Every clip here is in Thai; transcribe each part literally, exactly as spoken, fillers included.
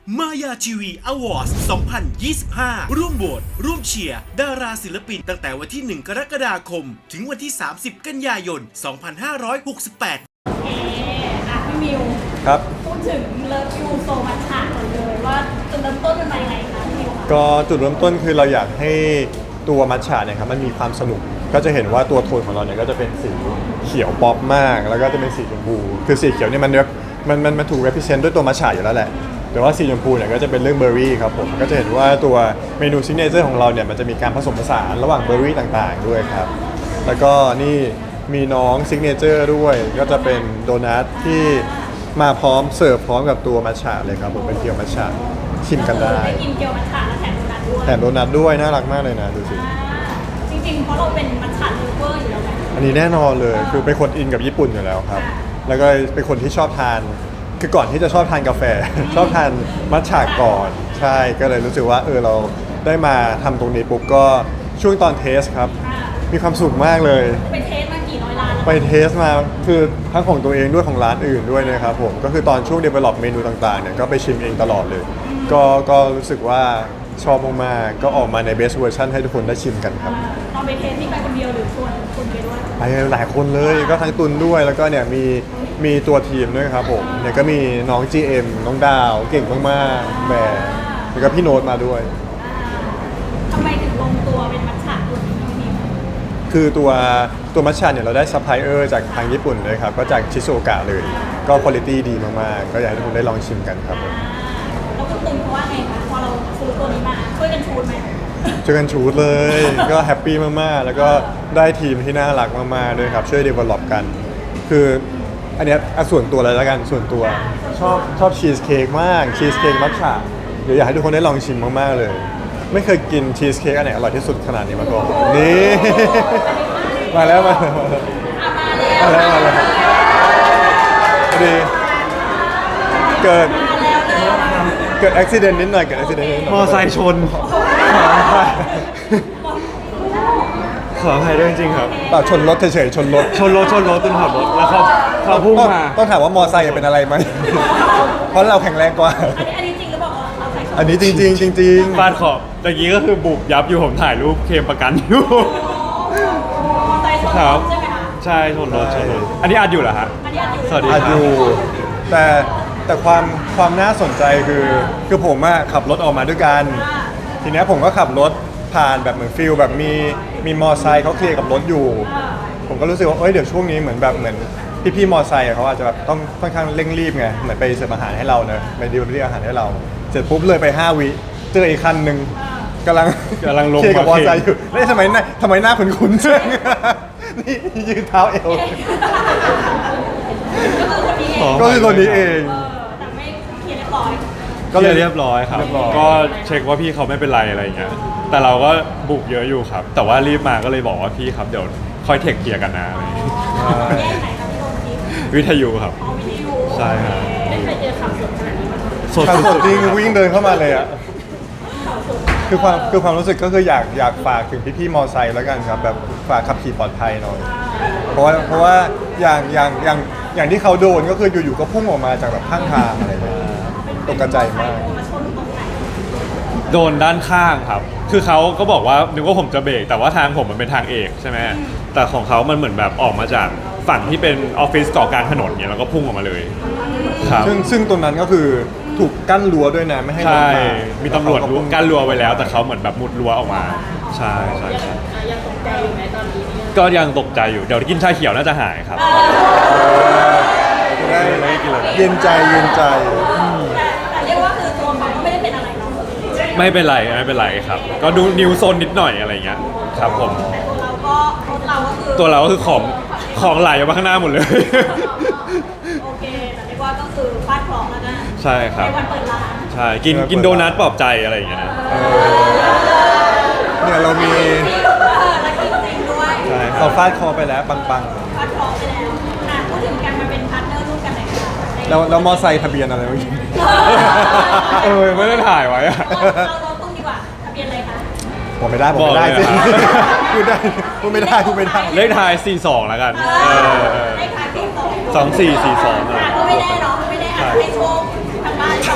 มายาทีวีอวอร์ดสองพันยี่สิบห้า ร่วมโหวตร่วมเชียร์ดาราศิลปินตั้งแต่วันที่ หนึ่ง กรกฎาคม ถึงวันที่ สามสิบ กันยายน สองพันห้าร้อยหกสิบแปดโอเคอ่ะพี่มิวครับพูดถึงเลิฟยูโซมัชฉะก่อนเลยว่าจุดเริ่มต้นเป็นมายังไงคะพี่มิวคะก็จุดเริ่มต้นคือเราอยากให้ตัวมัทฉะเนี่ยครับมันมีความสนุกก็จะเห็นว่าตัวโทนของเราเนี่ยก็จะเป็นสีเขียวป๊อปมาก แล้วก็จะเป็นสีชมพูคือสีเขียวเนี่ยมันมันมันมันถูก represent ด้วยตัวมัทฉะอยู่แล้วแหละแต่ว่าสีชมพูเนี่ยก็จะเป็นเรื่องเบอร์รี่ครับผมก็จะเห็นว่าตัวเมนูซิกเนเจอร์ของเราเนี่ยมันจะมีการผสมผสานระหว่างเบอร์รี่ต่างๆด้วยครับแล้วก็นี่มีน้องซิกเนเจอร์ด้วยก็จะเป็นโดนัทที่มาพร้อมเสิร์ฟพร้อมกับตัวมัทฉะเลยครับผมเป็นเกี๊ยวมัทฉะชิมกันได้ได้กินเกี๊ยวมัทฉะและแถมโดนัทด้วยแถมโดนัทด้วยน่ารักมากเลยนะดูสิอ่าจริงๆเพราะเราเป็นมัทฉะเลเวอร์อยู่แล้วไหมอันนี้แน่นอนเลยคือเป็นคนอินกับญี่ปุ่นอยู่แล้วครับ แล้วก็เป็นคนที่ชอบทานคือก่อนที่จะชอบทานกาแฟ ชอบทานมัทฉะก่อนใช่ก็เลยรู้สึกว่าเออเราได้มาทำตรงนี้ปุ๊บก็ช่วงตอนเทสครับอ่ามีความสุขมากเลยไปเทสมากี่ร้อยล้านแล้วไปเทสมาคือทั้งของตัวเองด้วยของร้านอื่นด้วยนะครับผมก็คือตอนช่วง develop เมนูต่างๆเนี่ยก็ไปชิมเองตลอดเลย ก็ก็รู้สึกว่าชอบมากๆก็ออกมาใน best version ให้ทุกคนได้ชิมกันครับอ่าตอนไปเทสนี่ไปคนเดียวหรือชวนคนไปด้วยไปหลายคนเลยก็ทั้งตุนด้วยแล้วก็เนี่ยมีมีตัวทีมด้วยครับผมเนี่ยก็มีน้อง จี เอ็ม น้องดาวเก่งมากๆแหมแล้วก็พี่โน้ตมาด้วยอ่าทำไมถึงลงตัวเป็นมัทฉะตัวนี้พี่มิวคือตัวตัวมัทฉะเนี่ยเราได้ซัพพลายเออร์จากทางญี่ปุ่นเลยครับก็จากชิโซโอกะเลย ก็คุณภาพดีมากๆก็อยากให้ทุกคนได้ลองชิมกันครับผมอ่าแล้วคุณตุนเขาว่าไงคะพอเราซื้อตัวนี้มาช่วยกันชูดไหมช่วยกันชูดเลย ก็แฮปปี้มากๆแล้วก็ได้ทีมที่น่ารักมากๆด้วยครับช่วย develop กัน คืออันเนี้ยอ่ะส่วนตัวเลยแล้วกันส่วนตัวชอบชอบชีสเค้กมากชีสเค้กมัทฉะเดี๋ยวอยากให้ทุกคนได้ลองชิมมากๆเลย ไม่เคยกินชีสเค้กอันไหนอร่อยที่สุดขนาดนี้มาก่อนนี่ มาแล้วมาแล้วมาแล้วอ่ะมาแล้วมาแล้วมาแล้วพอดีเกิดเกิดอุบิเหตุนิดหน่อยเกิดอุบิเหตุนิดหน่อยมอไซค์ชน ขออภัยด้วยจริงๆครับเปล่าชนรถเฉยๆชนรถชนรถชนรถจนขับรถแล้วเขาเขาพุ่งต้องมาต้องถามว่ามอไซค์เป็นอะไรไหม เพราะเราแข็งแรงกว่าอันนี้อันนี้จริงหรือเปล่าเอาใส่อันนี้จริงๆจริงๆฟาดขอบตะกี้ก็คือบุบยับอยู่ผมถ่ายรูปเคลมประกันอยู่ใส่ชนครับใช่ไหมคะใช่ชนรถชนรถอันนี้อัดอยู่เหรอฮะอันนี้อันอยู่สวัสดีอาจอยู่แต่แต่ความความน่าสนใจคือคือผมอะขับรถออกมาด้วยกัน ทีเนี้ยผมก็ขับรถผ่านแบบเหมือนฟิลแบบมีมีมอไซค์เขาเคลียร์กับรถอยู่ ผมก็รู้สึกว่าเอ้ยเดี๋ยวช่วงนี้เหมือนแบบเหมือนพี่ๆมอไซค์อะเขาอาจจะแบบต้องค่อนข้างเร่งรีบไงเหมือนไปเสิร์ฟอาหารให้เราเนอะไปดิวเรียอาหารให้เรา เสร็จปุ๊บเลยไปห้าวิเจออีกคันหนึ่งกำลังกำลังลงเคลียร์กับมมาอเคลไซค์มอยู่แล้วทำไมหน้าทำไมหน้าคุ้นๆจัง นี่ยืนเท้าเอวก็คือคนนี้เองก็คือคนนี้เองเออแต่ไม่เคลียร์เรียบร้อยก็เลยเรียบร้อยครับเรียบร้อยก็เช็คว่าพี่เขาไม่เป็นไรอะไรอย่างเงี้ยแต่เราก็บุกเยอะอยู่ครับ แต่ว่ารีบมาก็เลยบอกว่าพี่ครับเดี๋ยวค่อยเทคเคลียร์กันนะอะไรอย่างเงี้ยแยกไหนครับพี่โดนทิปวิทยุครับเอาวิทยุใช่ครับไม่เคยเจอข่าวสดขนาดนี้มาก่อนสดขับรถสุดจริงวิ่งเดินเข้ามาเลยอ่ะข่าวสดคือความคือความรู้สึกก็คืออยากอยากฝากถึงพี่ๆมอไซค์แล้วกันครับแบบฝากขับขี่ปลอดภัยหน่อย เพราะว่าเพราะว่าอย่างอย่างอย่างอย่างที่เขาโดนก็คืออยู่ๆก็พุ่งออกมาจากแบบข้างทางอะไรแบบนี้ตกกระจายมากมาชนตรงไหนโดนด้านข้างครับ คือเขาก็บอกว่านึกว่าผมจะเบรกแต่ว่าทางผมมันเป็นทางเอกใช่ไหมแต่ของเขามันเหมือนแบบออกมาจากฝั่งที่เป็นออฟฟิศเกาะกลางถนนเนี่ยแล้วก็พุ่งออกมาเลยครับซึ่งซึ่งตรงนั้นก็คือถูกกั้นรั้วด้วยนะไม่ให้รถใช่มามีตำรวจรั้วกั้นรั้วไว้แล้ว แต่เขาเหมือนแบบมุดรั้วออกมา ใช่ใช่ใช่ยังตกใจอยู่ไหมตอนนี้เนี่ยก็ยังตกใจอยู่ เดี๋ยวกินชาเขียวน่าจะหายครับจะได้ไม่กินเลยเย็นใจเย็นใจแต่แต่เรียกว่าคือตัวเขาก็ไม่ได้เป็นอะไรเนาะไม่เป็นไรไม่เป็นไรครับ ก็ดูนิวโซนนิดหน่อยอะไรเงี้ยครับผมแต่ตัวเราก็รถเราก็คือตัวเราก็คือของของไหลออกมาข้างหน้าหมดเลยโอเคแต่เรียกว่าก็คือฟาดเคราะห์แล้วกันใช่ครับในวันเปิดร้านใช่กินกินโดนัทปลอบใจอะไรอย่างเงี้ยเนี่ยเรามีเออแล้วกินจริงด้วยใช่ครัเราบฟาดคอไปแล้วปังฟาดเคราะห์ไปแล้วอ่ะพูดถึงการมาเป็นพาร์ทเนอร์ร่วมกันหน่อยค่ะในๆแล้วแล้วมอไซค์ทะเบียนอะไรเมื่อกี้เออไม่ได้ถ่ายไว้อะเราเราเราตุ้มดีกว่าทะเบียนอะไรคะผมไม่ได้ผมไม่ได้บอกเลยสิเหรอครับพูดได้พูดไม่ได้พูดไม่ได้เลขท้ายสี่สองแล้วกันเอเอออได้ขายเพลงสองสองสี่สี่สองอ่ะก็ไม่แน่เนาะไม่แน่อาจจะให้โชคทางบ้านเราไม่รู้ส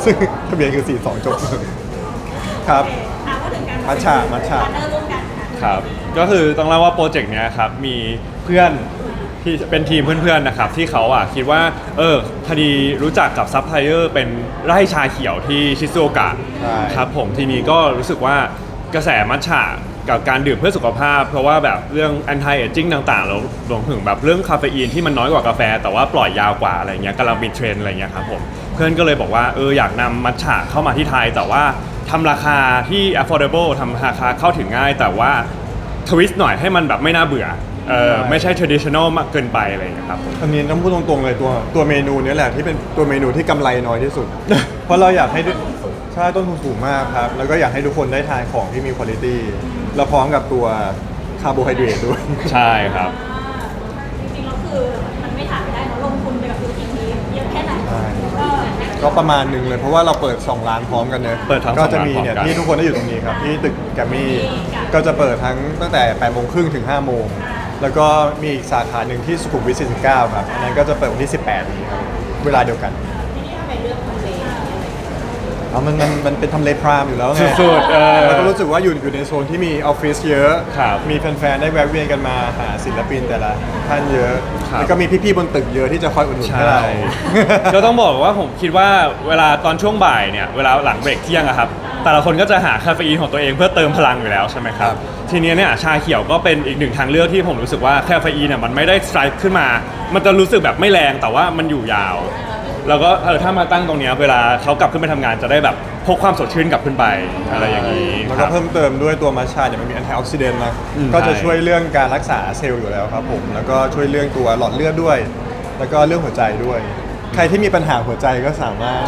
ซึ่งทะเบียนคือสี่สองจบครับโอเคอ่ะพูดถึงการมัทฉะมัทฉะพาร์ทเนอร์ร่วมกันค่ะครับ ก็คือต้องเล่าว่าโปรเจกต์เนี้ยครับมีเพื่อนที่เป็นทีมเพื่อนๆนะครับที่เขาอ่ะคิดว่าเออพอดีรู้จักกับซัพพลายเออร์เป็นไร่ชาเขียวที่ชิซูโอกะใช่ครับผมทีนี้ก็รู้สึกว่ากระแสมัทฉะกับการดื่มเพื่อสุขภาพ เพราะว่าแบบเรื่อง anti aging ต่างๆแล้วรวมถึงแบบเรื่องคาเฟอีนที่มันน้อยกว่ากาแฟ แต่ว่าปล่อยยาวกว่าอะไรเงี้ยกำลังมีเทรนด์อะไรเงี้ยครับผมเพื่อนก็เลยบอกว่าเอออยากนำมัทฉะเข้ามาที่ไทย แต่ว่าทำราคาที่ affordable ทำราคาเข้าถึงง่าย แต่ว่าทวิสต์หน่อยให้มันแบบไม่น่าเบื่อเออไม่ใช่ traditional มากเกินไปอะไรเงี้ยครับผมอันนี้ต้องพูดตรงๆเลยตัวตัวเมนูเนี้แหละที่เป็นตัวเมนูที่กำไรน้อยที่สุด เพราะเราอยากให้ด้วยใช่ต้นทุนสูงมากครับ แล้วก็อยากให้ทุกคนได้ทานของที่มีคุณภาพแล้วพร้อมกับตัวคาร์โบไฮเดรตด้วยใช่ครับจริงๆแล้วคือมันไม่ถามไม่ได้เนอะลงทุนไปกับธุรกิจนี้เยอะแค่ไหนใช่เออก็ประมาณหนึ่งเลยเพราะว่าเราเปิดสองร้านพร้อมกันเนอะเปิดทั้งก็สองจะร้านมีเนี่ยพร้อมกันที่ทุกคนได้อยู่ตรงนี้ครับที่ตึกแกรมมี่ก็จะเปิดทั้งตั้งแต่แปดโมงครึ่งถึงห้าโมงแล้วก็มีอีกสาขาหนึ่งที่สุขุมวิทสี่สิบเก้าครับอันนั้นก็จะเปิดวันที่สิบแปดนี้ครับเวลาเดียวกันทีนี้ทำไมเลือกทำเลเอามันมันมันเป็นทำเลพรามอยู่แล้วไงสุดๆเออแล้วก็รู้สึกว่าอยู่อยู่ในโซนที่มีออฟฟิศเยอะครับมีแฟนๆ ได้แวะเวียนกันมาหาศิลปินแต่ละท่านเยอะครับแล้วก็มีพี่ๆ บนตึกเยอะที่จะคอยอุดหนุนให้ใช่เราก็ต้องบอกว่าผมคิดว่าเวลาตอนช่วงบ่ายเนี่ยเวลาหลังเบรกเที่ยงอะครับแต่ละคนก็จะหาคาเฟอีนของตัวเองเพื่อเติมพลังอยู่แล้วใช่ไหมครับทีนี้เนี่ยชาเขียวก็เป็นอีกหนึ่งทางเลือกที่ผมรู้สึกว่าคาเฟอีนเนี่ยมันไม่ได้สไตร์ขึ้นมา มันจะรู้สึกแบบไม่แรงแต่ว่ามันอยู่ยาว แล้วก็เออถ้ามาตั้งตรงเนี้ยเวลาเขากลับขึ้นไปทำงานจะได้แบบพกความสดชื่นกลับขึ้นไปอะไรอย่างนี้แล้วคก็รับเพิ่มเติมด้วยตัวมัชชาเนี่ยมันมีแอนตี้ออกซิเดนต์นะอืมก็จะใช่ช่วยเรื่องการรักษาเซลล์อยู่แล้วครับผม แล้วก็ช่วยเรื่องตัวหลอดเลือดด้วย แล้วก็เรื่องหัวใจด้วย ใครที่มีปัญหาหัวใจก็สามารถ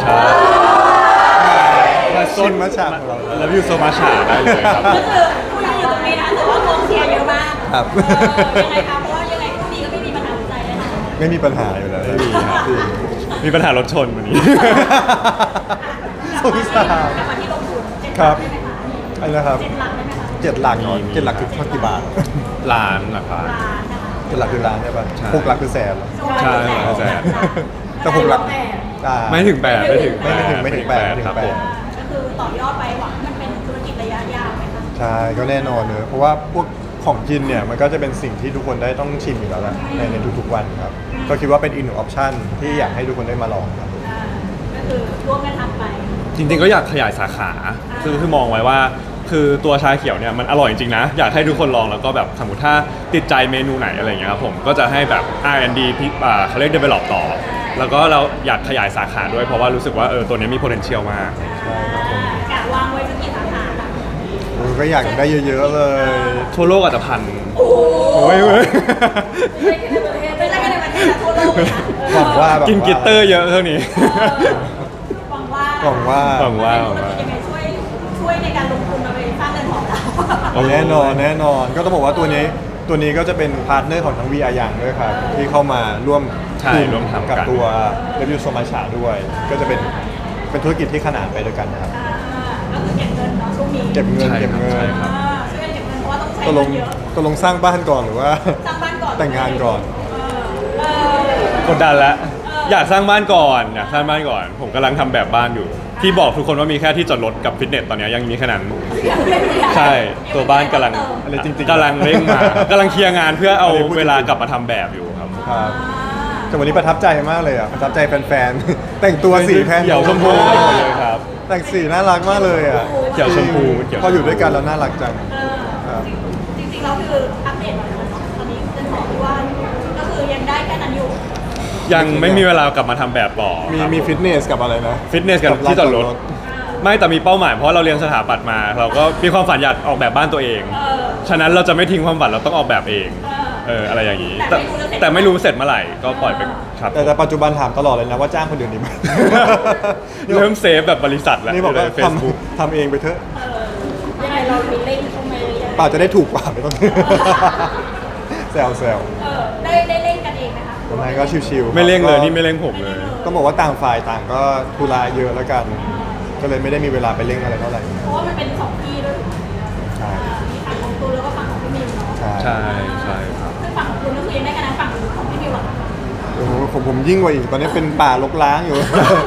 มาชิมมัทฉะของเราแล้ววิวโซมาชาได้เลยครับก็คือผู้ยังอยู่ตรงนี้นะแต่ว่ากองเชียร์เยอะมากครับเออยังไงคะเพราะว่ายังไงคู่นี้ก็ไม่มีปัญหาหัวใจแน่นอนไม่มีปัญหาอยู่แล้วไม่มีครับจริงมีปัญหารถชนวันนี้สงสารกลับมาที่ลงทุนเจ็ดคหรัลับกได้ไหมคะอะไรนะครับเจ็ดหลักได้ไหมคะเจ็ดหลักเนาะเจ็ดหลักคือเท่ากี่บาทร้านนะครับล้านนะคะเจ็ดหลักคือล้านใช่ป่ะใช่หกหลักคือแสนเหรอใช่แสนแต่หกหลักแปดอ่าไม่ถึงแปดไม่ถึงไม่ไม่ถึงไม่ถึงแปดไม่ถึงครับแปผดมก็คือต่อยอดไปหวังให้มันเป็นธุรกิจระยะยาวไหมคะใช่ก็แน่นอนเนอะเพราะว่าพวกของกินเนี่ยมันก็จะเป็นสิ่งที่ทุกคนได้ต้องชิมอยู่แล้วแหละในในทุกๆวันครับ ก็คิดว่าเป็นอีกหนึ่งออปชั่นที่อยากให้ทุกคนได้มาลองครับอ่าก็คือร่วมกันทำไปจริงๆก็อยากขยายสาขา คือคือมองไว้ว่า คือตัวชาเขียวเนี่ยมันอร่อยจริงๆนะ อยากให้ทุกคนลองแล้วก็แบบสมมติถ้าติดใจเมนูไหนอะไรอย่างเงี้ยครับผมก็จะให้แบบ อาร์ แอนด์ ดี พิอ่าเขาเรียก develop ต่อ แล้วก็เราอยากขยายสาขาด้วยเพราะว่ารู้สึกว่าเออตัวเนี้ยมี potential มากใช่ครับผมกะวางไว้สักกี่สาขาคะโอ้ยก็อยากได้เยอะๆเลยทั่วโลกอาจจะพันโอ้โหโอ้ยเว้ยไม่ใช่แค่ในประเทศไม่ใช่แค่ในประเทศนะทั่วโลกเลยนะหวังว่าแบบกินกลิตเตอร์เยอะเท่านี้เออหวังว่าหวังว่าหวังว่าธุรกิจยังไงช่วยช่วยในการลงทุนมาไปสร้างเงินของเราเอาแน่นอนแน่นอนก็ต้องบอกว่าตัวนี้ตัวนี้ก็จะเป็นพาร์ทเนอร์ของทั้ง วี อาร์ อย่างด้วยครับ ที่เข้ามาร่วมใช่กลุ่ร่วมทำกันกับตัว Review So Much ด้วย ก็จะเป็นเป็นธุรกิจที่ขนานไปด้วยกันนะครับอ่าก็คือเก็บเงินเนาะช่วงนี้เก็บเงินใช่เก็บครับเงินใช่ครับอ่าช่วยกันเก็บเงินเพราะว่าต้องใช้ตกลเงิงนเยอะตกลงสร้างบ้านก่อนหรือว่าสร้างบ้านก่อนแต่งงานก่อนเออเออกดดันแล้ว อยากสร้างบ้านก่อนอยากสร้างบ้านก่อน ผมกำลังทำแบบบ้านอยู่ ที่บอกทุกคนว่ามีแค่ที่จอดรถกับฟิตเนสตอนเนี้ยยังมีแค่นั้น ใช่ตัวบ้านกำลังอะไรจริงๆกำลังเร่งมากำลังเคลียร์งานเพื่อเอาเวลากลับมาทำแบบอยู่ครับครับแต่วันนี้ประทับใจมากเลยอ่ะประทับใจแฟนๆ แต่งตัวสีแพนเขียวชมพูหมดเลยครับแต่งสีน่ารักมากเลยอ่ะเขียวชมพูเขียวชมพูพออยู่ด้วยกันแล้วน่ารักจังเออครับจริงๆเราคืออัปเดตหน่อยเนาะตอนนี้เป็นของที่ว่าก็คือยังได้แค่นั้นอยู่ยังไม่มีเวลากลับมาทำแบบต่อมีครับมีฟิตเนสกับอะไรนะฟิตเนสกับที่จอดรถ ไม่แต่มีเป้าหมายเพราะเราเรียนสถาปัตย์มา เราก็มีความฝันอยากออกแบบบ้านตัวเองเออฉะนั้นเราจะไม่ทิ้งความฝันเราต้องออกแบบเองเออเอออะไรอย่างนี้แต่แต่ไม่รู้จะเสร็จแต่ไม่รู้เสร็จเมื่อไหร่ก็ปล่อยไปครับแต่แต่ปัจจุบันถามตลอดเลยนะว่าจ้างคนอื่นดีไหมเริ่มเซฟแบบบริษัทแล้วนี่บอกว่าเฟซบุ๊กทำทำเองไปเถอะเออยังไงเรามีเล่นเข้ามาหรือยังป่าจะได้ถูกกว่าไม่ต้อง แซวแซวเออได้ได้เล่นกันเองนะคะทำไมก็ชิวๆไม่เร่งเลยก็นี่ไม่เร่งผมเลยต้องบอกว่าต่างฝ่ายต่างก็ธุระเยอะแล้วกัน ก็เลยไม่ได้มีเวลาไปเร่งอะไรเท่าไหร่เพราะว่ามันเป็นสองที่ด้วยใช่มีฝั่งของตูนแล้วก็ฝั่งของพี่มิวเนาะใช่ใช่ใช่ครับซึ่งฝั่งของตูนก็คือยังได้คะแนนฝั่งของพี่มิวอะโอ้โหผมผมยิ่งกว่าอีกตอนนี้เป็นป่ารกร้างอยู่เ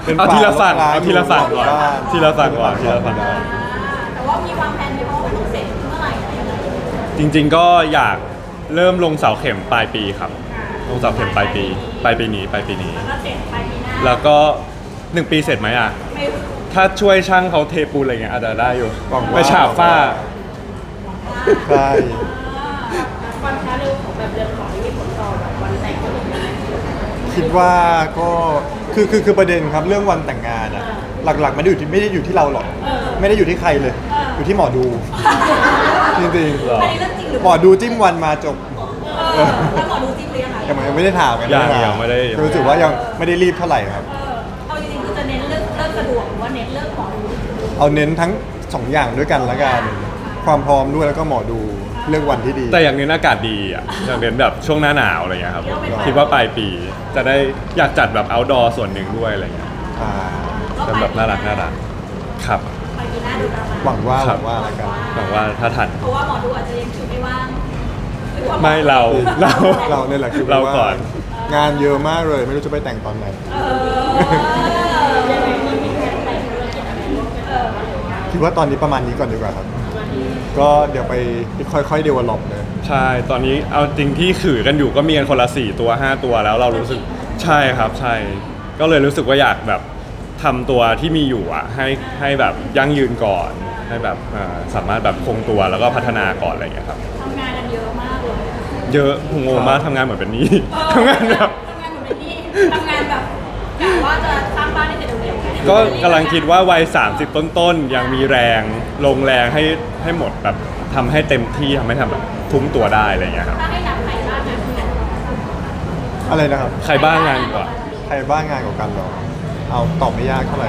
เป็นเอาทีละฝั่งร้านเอาทีละฝั่งก่อนบ้านทีละฝั่งก่อนทีละฝั่งก่อนแต่ว่ามีวางแผนไหมว่ามันต้องเสร็จเมื่อไหร่อะไรยังไงจริงๆก็อยากเริ่มลงเสาเข็มปลายปีครับ ลงเสาเข็มปลายปีปลายปีนี้ปลายปีนี้แล้วก็เสร็จปลายปีหน้าแล้วก็หนึ่งปีเสร็จไหมอ่ะไม่รู้ถ้าช่วยช่างเขาเทปูนอะไรเงี้ยอาจจะได้อยู่หวังว่าไปฉาบฝ้าใช่ความช้าเร็วของแบบเรือนหอนี่มีผลต่อแบบวันแต่งก็เหมือนกันไหมคิดว่าก็คือคือคือประเด็นครับเรื่องวันแต่งงานอะหลักๆไม่ได้อยู่ที่ไม่ได้อยู่ที่เราหรอก ไม่ได้อยู่ที่ใครเลย อยู่ที่หมอดู จริงเหรออันนี้เรื่องจริงหรือๆหมอดูจิ้มวันมาจบเออแล้วหมอดูจริงหรือยังไงยังไม่ได้ถามกันยังถายังไม่ได้ยังไม่ได้รู้สึกว่ายังไม่ได้รีบเท่าไหร่ครับเออเอาจริงๆคือจะเน้นเรื่องเรื่องสะดวกหรือว่าเน้นเรื่องหมอดูเอาเน้นทั้งสองอย่างด้วยกันละกันความพร้อมด้วยแล้วก็หมอดูเลือกวันที่ดีแต่อย่างเน้นอากาศดีอ่ะอย่างเน้นแบบช่วงหน้าหนาวอะไรเงี้ยครับคิดว่าปลายปีจะได้อยากจัดแบบ outdoor ส่วนหนึ่งด้วยอะไรเงี้ยอ่าเป็นแบบน่ารักน่ารักครับปลายปีหน้าดูประมาณหวังว่าคหรัวับงว่าละกันหวังว่าถ้าทันเพราะว่าหมอดูอาจจะยังคิวไม่ว่างหรือว่าหอไม่เราเราเราเนี่ยแหละคือเราว่าก่อนงานเยอะมากเลย ไม่รู้จะไปแต่งตอนไหนเออยังไงมันมีแผนแต่งธุรกิจอะไรร่วมกันเออคิดว่าตอนนี้ประมาณนี้ก่อนดีกว่าครับ ก็เดี๋ยวไปค่อยๆเดเวลลอปเลยใช่ตอนนี้เอาจริงที่ขือกันอยู่ก็มีกันคนละสี่ตัวห้าตัวแล้วเรารู้สึกใช่ครับใช่ ก็เลยรู้สึกว่าอยากแบบทำตัวที่มีอยู่อ่ะให้ให้แบบยั่งยืนก่อน ให้แบบอ่าสามารถแบบคงตัวแล้วก็พัฒนาก่อนอะไรอย่างเงี้ยครับทำงานกันเยอะมากเลยเยอะผมงงมากทำงานเหมือนเป็นหนี้เออทำงานแบบทำงานเหมือนเป็นนี่ทำงานแบบกะว่าจะสร้างบ้านให้เสร็จเร็วๆไงก็กำลังคิดว่าวัยสามสิบต้นๆยังมีแรงลงแรงให้ให้หมดแบบทำให้เต็มที่ทำให้ทำแบบทุ่มตัวได้อะไรอย่างเงี้ยครับถ้าให้นับใครบ้างนะคืออะไรนะครับใครบ้างงานดีกว่าใครบ้างงานกว่ากันเหรอ เอาตอบไม่ยากเท่าไหร่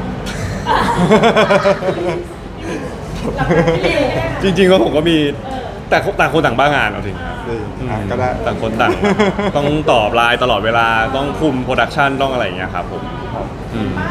จริงๆก็ผมก็มีแต่ต่างคนต่างบ้างานเอาจริงครับดีอืมอ่ะก็ได้ต่างคนต่าง ต้องตอบไลน์ตลอดเวลาต้องคุมโปรดักชันต้องอะไรอย่างเงี้ยครับผมครับอืม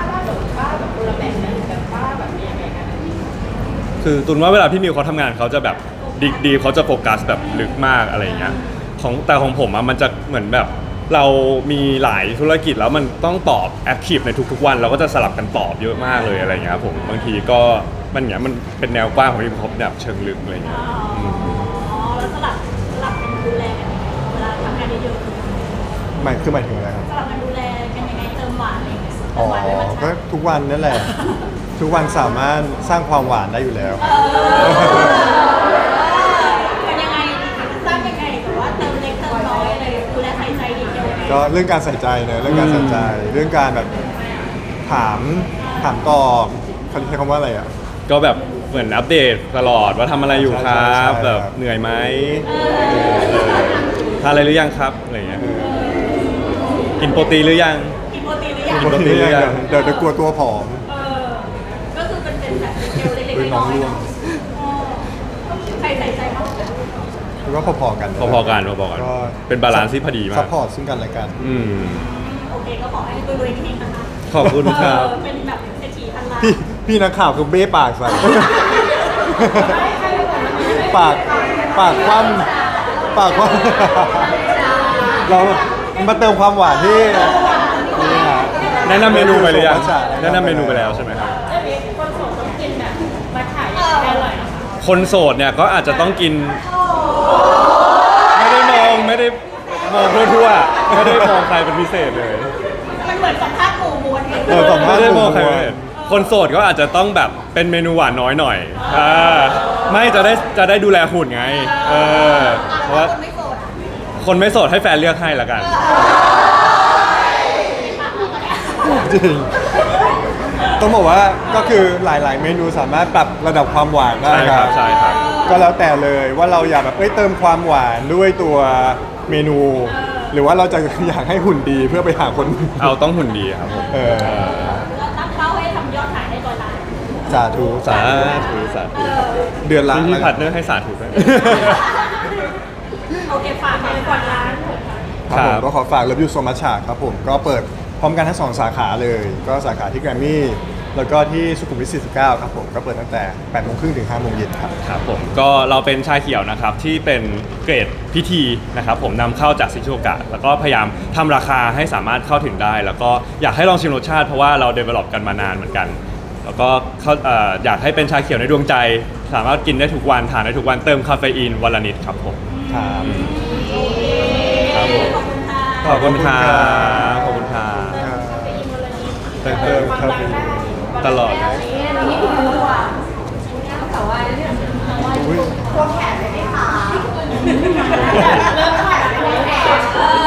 คือตุนว่าเวลาพี่มิวเขาทำงานเขาจะแบบดีดีเขาจะโฟกัสแบบลึกมากอะไรอย่างเงี้ยของแต่ของผมอะมันจะเหมือนแบบเรามีหลายธุรกิจแล้วมันต้องตอบแอคทีฟในทุกๆวันเราก็จะสลับกันตอบเยอะมากเลยอะไรอย่างเงี้ยครับผมบางทีก็มันอย่างเงี้ยมันเป็นแนวกว้างของพี่มิวเขาแบบเชิงลึกอะไรอย่างเงี้ยอืมอ๋อแล้วสลับสลับกันดูแลกันเวลาทำงานเยอะหมายคือหมายถึงอะไรครับๆสลับกันดูแลกันยังไงเติมหวานอะไรอย่างเงี้ยเติอ๋อมหวานไว้มันก็ชัดทุกวันนั่นแหละ ทุกวันสามารถสร้างความหวานได้อยู่แล้วเป็นยังไงสร้างยังไงแต่ว่าเติมเล็กเติมน้อยอะไรดูแลใส่ใจดีเทลยังไงก็เรื่องการใส่ใจเนอะเรื่องการใส่ใจ เรื่องการแบบถามถามตอบเขาใช้คำว่าอะไรอ่ะก็แบบเหมือนอัปเดตตลอดว่าทำอะไรอยู่ครัใช่ใช่บใช่แบบเหนื่อยไหมเออทานอะไรหรือยังครับอะไรอย่างเงี้ยกินโปรตีนหรือยังกินโปรตีนหรือยังกินโปรตีนหรือยังเดี๋ยวเดี๋ยวกลัวตัวผอมเออก็คือเป็นเป็นแบบดีเทลเล็กเป็นๆน้น้อองยๆร่วงเนาะอ๋อใครใส่ใจมากกว่ากันแล้วก็พอๆกันพอๆกันพอๆกันก็เป็นบาลานซ์ที่พอดีมาซักพพอร์ตซึ่งกันและกันอืมโอเคก็ขอให้รวยๆเฮงๆนะคะขอบคุณครับเออเป็นแบบเศรษฐีพันล้านพี่พี่นักข่าวคือเบ้ปากใส่ ปากปากคว่ำปากคว่ำเรามาเติมความหวานที่นี่ฮะแนะนำเมนูไปหรือยังมัทฉะแนะนำเมนูไปแล้วใช่ไหมครับอร่อยนะคะคนโสดเนี่ยก็อาจจะต้องกิน ไม่ได้มองไม่ได้มองทั่วๆไม่ได้มองใครเป็นพิเศษเลยมันเหมือนสัมภาษณ์หมู่มวลไงเออสัมภาไม่ษณ์ได้มองใครเป็นพิเศษคนโสดก็อาจจะต้องแบบเป็นเมนูหวานน้อยหน่อยอ่าไม่จะได้จะได้ดูแลหุ่นไงเออเพราะว่าคนไม่โสดอ่ะคนไม่โสดให้แฟนเลือกให้ละกันจริงต้องบอกว่าก็คือหลาย ๆ เมนูสามารถปรับระดับความหวานได้ใช่ครับใช่ครับก็แล้วแต่เลยว่าเราอยากแบบเอ้ยเติมความหวานด้วยตัวเมนู หรือว่าเราจะอยากให้หุ่นดีเพื่อไปหาคนเอาต้องหุ่นดีครับผมเออแล้วตั้งเป้าให้ทำยอดขายได้ร้อยล้านสาธุสาธุสาธุเดือนละที่พี่ผัดเนอร์ให้สาธุด้วยโอเคฝากเลยก่อนร้านครับผมครับก็ขอฝาก Love You So Much ครับผมก็เปิดพร้อมกันทั้งสองสาขาเลย ก็สาขาที่แกรมมี่แล้วก็ที่สุขุมวิทสี่สิบเก้าครับผมก็เปิดตั้งแต่แปดโมงครึ่งถึงห้าโมงเย็นครับครับผมก็เราเป็นชาเขียวนะครับที่เป็นเกรดพิธีนะครับผมนำเข้าจากซิชูโอกะแล้วก็พยายามทำราคาให้สามารถเข้าถึงได้ แล้วก็อยากให้ลองชิมรสชาติเพราะว่าเรา develop กันมานานเหมือนกัน แล้วก็เข้าเอ่ออยากให้เป็นชาเขียวในดวงใจ สามารถกินได้ทุกวันทานได้ทุกวันเติมคาเฟอีนวันละนิดครับผมครับครับผมขอบคุณค่ะขอบคุณครับขอบคุณครับไปอินวันละนิดเติมเติมคาเฟอีนตลอดอันนี้คือรู้ว่าแต่ว่าเรื่องอุ๊ยควงแขนเลยไหมคะเริ่มขาดเลยแขน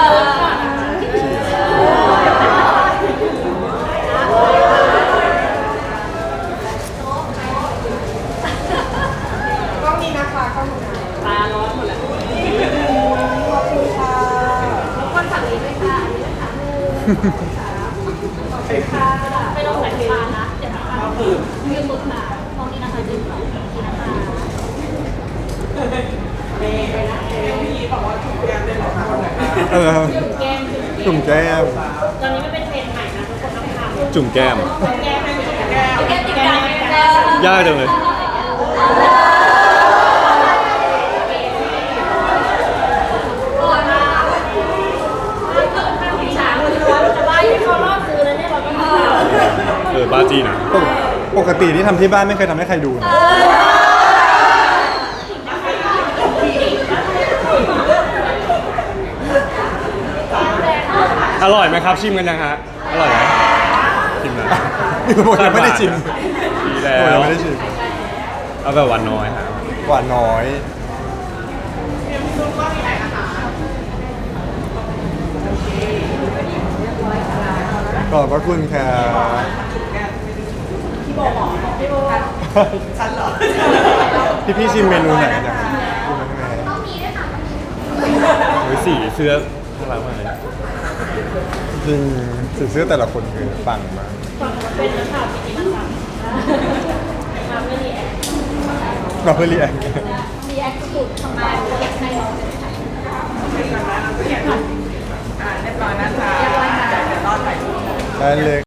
เออกล้องนี้นะคะกล้องนี้ตาร้อนหมดแล้วขอบคุณค่ะทุกคนฝั่งนี้ด้วยค่ะอันนี้นะคะขอบคุณค่ะไม่ต้องใส่ตานะเดี๋ยวนะคะยืมมือค่ะมองนี้นะคะยืมสองนี้นะคะเออแก้มจุ่มแก้มตอนนี้มันเป็นเทรนด์ใหม่นะทุกคนต้องทำจุ่มแก้มแก้มแก้มแก้มติดกันแก้มยากจังเลยฉากเลยว่าจะบ้าที่เขารอบซื้อแล้วเนี่ยเราต้องทำเออบ้าจีนะปกปกติที่ทำที่บ้านไม่เคยทำให้ใครดูนะอร่อยไหมครับชิมกันยังฮะอร่อยไหมชิมนะผมยังไม่ได้ชิมดีแล้ผมยัวงไม่ได้ชิมเอาแบบหวานน้อยครับหวานน้อย ขอบพระคุณครับพี่พี่ชิมเมนูไหนกันยังชิมเมนูไหนโอ้ยสีเสื้อน่ารักมากเลยจริงสีเสื้อแต่ละคนคือปังมากเป็นนักข่าวจริงๆนะคะมาไม่รีแอคเราเพื่อรีแอครีแอคสุดทำไมรีแอคในเราเป็นใครเรียบร้อยนะคะเดี๋ยวรอดไปได้เลย